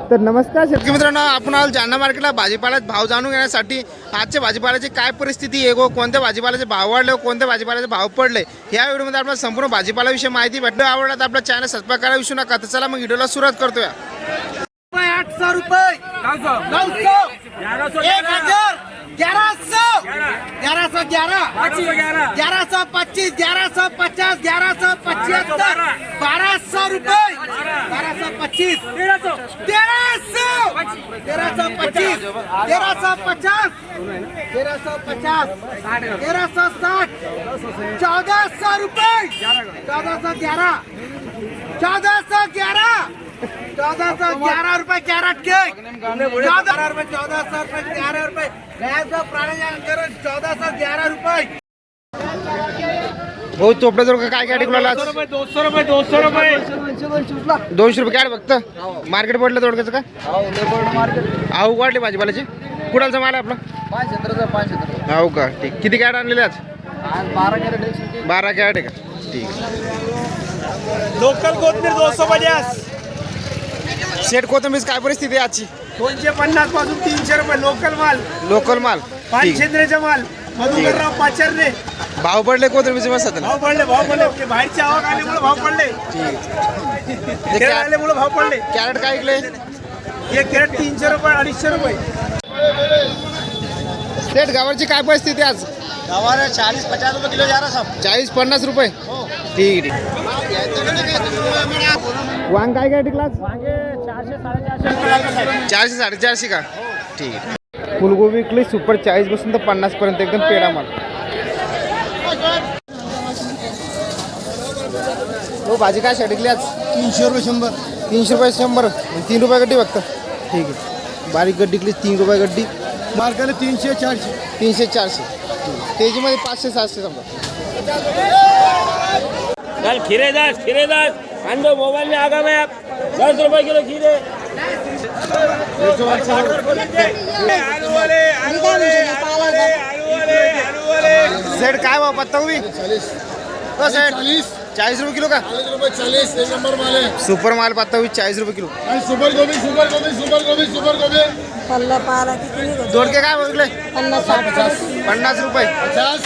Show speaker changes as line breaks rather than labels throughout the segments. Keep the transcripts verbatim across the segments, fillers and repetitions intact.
तर नमस्कार शेतकरी मित्रांनो, आपण आलो जालना मार्केटला भाजीपाल्याचे भाव जाणून घेण्यासाठी. आजच्या भाजीपाल्याची काय परिस्थिती आहे, कोणत्या भाजीपाल्याचे भाव वाढले, कोणत्या भाजीपाल्याचे भाव पडले, या व्हिडिओमध्ये आपल्याला संपूर्ण भाजीपाल्याविषयी माहिती भेटली. आवडला तर आपला चॅनल सबस्क्राइब करायला विसरू नका. तर चला मग व्हिडिओला सुरुवात करतोया.
आठशे रुपये, नऊशे, एक हजार, ग्यारह सौ, ग्यारह सौ ग्यारह, ग्यारह सौ पच्चीस, ग्यारह सौ पचास, ग्यारह सौ पचहत्तर, बारह सौ रुपये, बारह सौ पच्चीस, तेरह सौ, तेरह सौ, तेरह सौ पच्चीस, तेरह सौ पचास, तेरह सौ पचास, तेरह सौ साठ, चौदह सौ रुपये, चौदह सौ ग्यारह, चौदह सौ ग्यारह, चौदह सौ ग्यारह रुपए कैरेट के, चौदह रुपए, चौदह सौ रुपए, ग्यारह रुपए, चौदह सौ ग्यारह रुपए.
भाऊ चोपडा जर काय काय टिकला
दो सौ रुपये, दो सौ रुपये,
दोनशे रुपये काय फक्त मार्केट पडलं थोडक्याचं का आऊ वाढली भाजीपाल्याची. कुणालचा माल आहे आपला? हो का, ठीक. किती कॅरेट आणलेले आज? बारा कॅरेट आहे का? ठीक आहे.
लोकल कोथमीर दो सौ पचास,
शेट कोथंबीर काय परिस्थिती आहे आजची?
दोनशे पन्नास पासून तीनशे रुपये लोकल माल,
लोकल माल. ठीक.
पाचशेंद्रेचा माल, मधुकरराव पाचरने.
भाव पडले कोथंबीरचे मस्त आता.
भाव पडले, भाव पडले, ते बाहेरचे आवक आल्यामुळे भाव पडले,
ठीक.
आल्यामुळे भाव पडले.
कॅरेट काय ऐकले?
एक कॅरेट तीनशे रुपये, अडीचशे रुपये.
शेट गावाची काय परिस्थिती आज?
गवार चालीस पचास रुपये किलो जा रहा सब.
चाळीस पन्नास रुपये. ठीक आहे. वांग काय काय टिकला?
चारशे साडेचारशे,
चारशे साडेचारशे का? ठीक आहे. फुलगोबी विकली सुपर चाळीस पासून तर पन्नास पर्यंत एकदम पेडा माल. हो भाजी काय शेट टिकली आज?
तीनशे रुपये शंभर,
तीनशे रुपये शंभर, तीन रुपये गड्डी फक्त. ठीक आहे. बारीक गड्डी टिकली तीन रुपये गड्डी.
मार्केट तीनशे चारशे,
तीनशे चारशे. तेजीमध्ये पाचशे सातशे समजा.
कल खीरे दस, खीरे दस, आंदो मोबाइल में आगा में आप दस रुपए किलो खीरे.
सेट काय भाव पत्ता उभी? हो सेट चाळीस रुपये किलो का?
चालीस एक नंबर माल है.
सुपर माल पत्ता उभी चाळीस रुपये किलो.
आणि सुपर गोबी, सुपर गोबी, सुपर गोबी, सुपर गोबी
पल्ला पाला किती निघतो?
दोडके काय बघले?
पन्नास साठ
पन्नास रुपये.
पचास,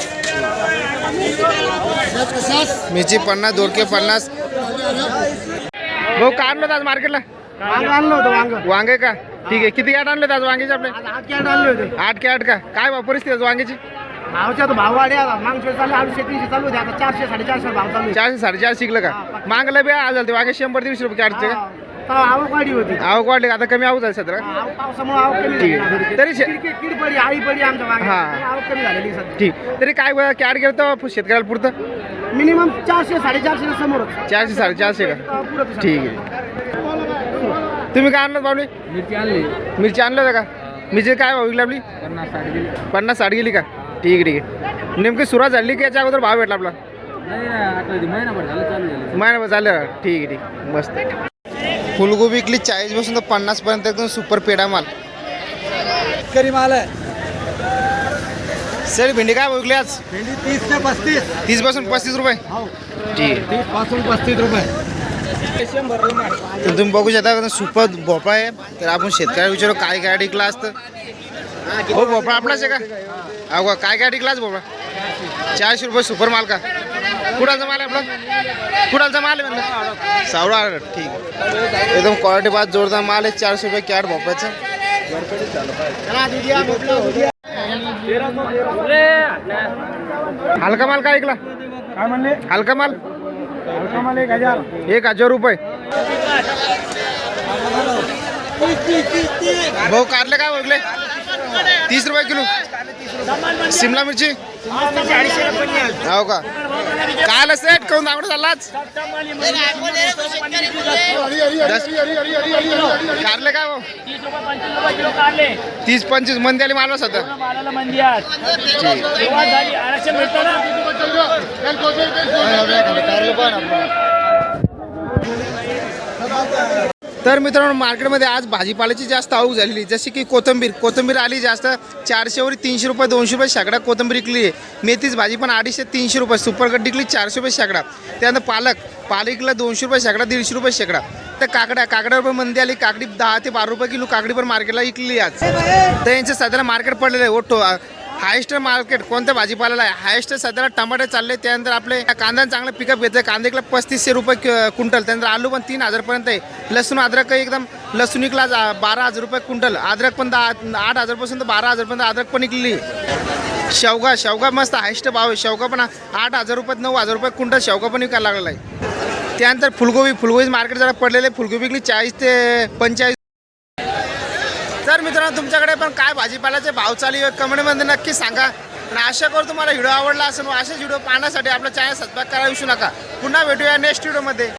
पचास,
मिरची पन्नास, दोडके पन्नास. भाऊ काय आणलं आज मार्केटला?
वांग आणलं होतं. वांग
वांगे का? ठीक आहे. किती कॅट आणले आज वांग्याचे आपले?
आठ कॅरेट आणले होते.
आठ कॅट का? काय भाव परिस्थिती आहे वांग्याची?
भावच्या तर भाव वाढे आता. मागशे चालू अडीचशे तीनशे चालू होते, आता चारशे साडेचारशे भाव चालू आहे.
चारशे साडेचारशे शिकलं का? मागला बी आज झालं ते वांगे शंभर दीडशे रुपये कॅटचे का?
हा, तेव्हा आवक वाढी होती.
आवक वाढली का? आता कमी आवक झाली सध्या.
आवक पावसामुळे आवक कमी
ठीक
झाली.
आहे. तरी शे-
किडकी- कीड पडी, आळी पडी आमच्या मागे,
हा.
त्यामुळे आवक कमी झालेली सध्या.
ठीक. तरी काय कॅट गेलं तर शेतकऱ्याला पुरतं?
मिनिमम चारशे साडेचारशे समोरच
चारशे साडेचारशे का?
अं, पुरत
ठीक आहे. तुम्ही काय आणलं बाबली?
मिरची आणली
मिरची आणलं होतं का? मिरची काय भाव विकली आपली?
पन्नास साठ गेली.
पन्नास साठ गेली का? ठीक आहे, ठीक आहे. नेमकी सुरुवात झाली की याच्या अगोदर भाव भेटला आपला?
महिनाभर झालं चालू झालं.
महिनाभर झालं. ठीक आहे, ठीक आहे. मस्त. फुलगोबी विकली चाळीस पासून तर पन्नास पर्यंत एकदम सुपर पेडा माल.
करी माल आहे.
सर भेंडी काय भाव विकली आज?
भेंडी तीस ते पस्तीस.
तीस पासून पस्तीस रुपये.
हो,
ठीक आहे.
तीस पासून पस्तीस रुपये.
तर तुम्ही बघू शकता सुपर भोपळा आहे. तर आपण शेतकऱ्याला विचारू काय काय टिकला असतं. हो भोपळा आपलाच आहे का? अहो काय काय टिकलाच भोपळा? चारशे रुपये सुपर माल का? कुणाचा माल आहे आपला? कुणाचा माल आहे म्हणलं? सावळा. ठीक आहे. एकदम क्वालिटी बाद जोरदार माल आहे. चारशे रुपये कॅट भोपळ्याचं. हलका माल काय ऐकला?
काय म्हणले?
हलका माल
हलका माल एक हजार.
एक हजार रुपये. भाऊ कारले काय बघले? तीस रुपये किलो. शिमला मिरची हो का? काल सेट काऊन दावडा चाललाच? कारले काय भाऊ? तीस पंचवीस मंदी आली मालवा सध्या. तर मित्रांनो मार्केटमध्ये आज भाजीपाल्याची जास्त आवक झालेली जशी की कोथिंबीर कोथिंबीर आली जास्त चारशेवर तीनशे रुपये दोनशे रुपये शेकडा कोथिंबीर विकली आहे. मेथीच भाजी पण अडीचशे तीनशे रुपये सुपर कट विकली चारशे रुपये शेकडा. त्यानंतर पालक पालकला दोनशे रुपये शेकडा दीडशे रुपये शेकडा. तर काकड्या काकड्यावर पण मंदी आली काकडी दहा ते बारा रुपये किलो काकडी पण मार्केटला विकली आज. तर यांचं सध्याला मार्केट पडलेलं आहे ओटो हायेस्ट मार्केट कोणत्या भाजीपाल्याला आहे हायेस्ट सध्याला टमाटे चालले. त्यानंतर आपले कांदा चांगलं पिकअप घेतलं कांदे किलो पस्तीसशे रुपये क्विंटल. त्यानंतर आलू पण तीन हजारपर्यंत आहे. लसूण अद्रक एकदम लसूण विकला बारा हजार रुपये क्विंटल. अद्रक पण दहा आठ हजारपासून तर बारा हजारपर्यंत अद्रक पण विकली. शेवगा शेवगा मस्त हायेस्ट भाव आहे. शेवगा पण आठ हजार रुपयात नऊ हजार रुपये क्विंटल शेवगा पण विकायला लागलेला आहे. त्यानंतर फुलगोबी फुलगोबी मार्केट जरा पडलेले फुलगोबी विकली चाळीस ते पंचेचाळीस. तर मित्रांनो तुमच्याकडे पण काय भाजीपाल्याचे भाव चालू आहे कमेंटमध्ये नक्की सांगा. आणि आशा करू तुम्हाला व्हिडिओ आवडला असेल. असेच व्हिडिओ पाहण्यासाठी आपलं चॅनल सबस्क्राईब करा विसरू नका. पुन्हा भेटूया नेक्स्ट व्हिडिओमध्ये.